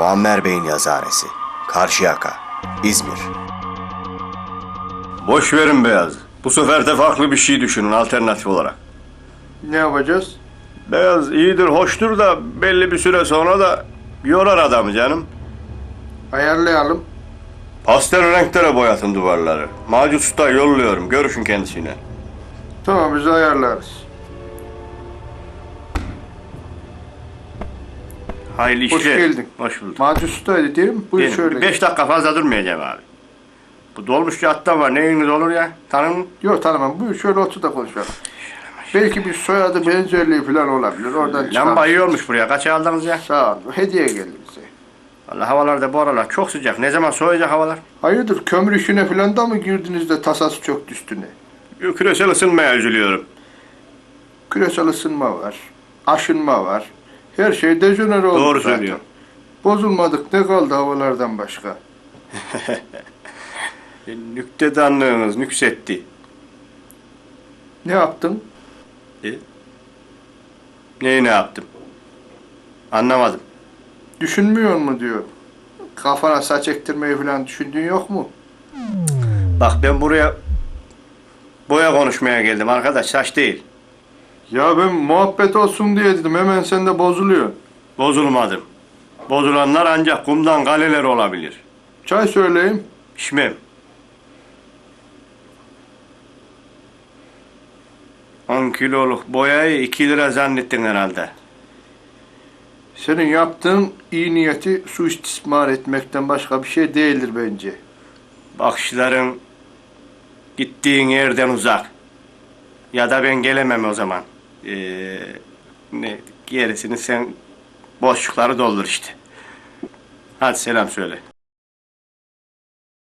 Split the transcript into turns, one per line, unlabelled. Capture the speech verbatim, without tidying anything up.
Muammer Bey'in yazıhanesi. Karşıyaka, İzmir.
Boş verin Beyaz. Bu sefer de farklı bir şey düşünün alternatif olarak.
Ne yapacağız?
Beyaz iyidir, hoştur da belli bir süre sonra da yorar adamı canım.
Ayarlayalım.
Pastel renklere boyatın duvarları. Macit Usta yolluyorum. Görüşün kendisiyle.
Tamam, biz ayarlarız.
Hayırlı işler.
Hoş geldin.
Hoş bulduk.
Macit Usta'ydı değil mi? Buyur
Benim,
şöyle.
Beş dakika fazla durmayacağım abi. Bu dolmuşçu attan var. Neyiniz olur ya? Tanır mı?
Yok, tanımam. Buyur şöyle otur da konuşalım. Belki bir soyadı benzerliği falan olabilir. Oradan çıkar.
Lamba iyi olmuş buraya. Kaç aldınız ya?
Sağ ol. Hediye geldi bize.
Vallahi havalar da bu aralar çok sıcak. Ne zaman soğuyacak havalar?
Hayırdır, kömür işine falan da mı girdiniz de tasası çöktü üstüne?
Küresel ısınmaya üzülüyorum.
Küresel ısınma var. Aşınma var. Her şey dejenere oldu
Doğru
zaten.
söylüyor.
Bozulmadık, ne kaldı havalardan başka?
Nüktedanlığınız nüksetti.
Ne yaptın?
E? Neyi ne yaptım? Anlamadım.
Düşünmüyor mu diyor. Kafana saç ektirmeyi falan düşündüğün yok mu?
Bak ben buraya boya konuşmaya geldim arkadaş, saç değil.
Ya ben muhabbet olsun diye dedim, hemen sen de bozuluyor.
Bozulmadım. Bozulanlar ancak kumdan kaleler olabilir.
Çay söyleyeyim.
İçmem. On kiloluk boyayı iki lira zannettin herhalde.
Senin yaptığın iyi niyeti suistismar etmekten başka bir şey değildir bence.
Bakışların gittiğin yerden uzak. Ya da ben gelemem o zaman. Ee, ne gerisini sen boşlukları doldur işte. Hadi selam söyle.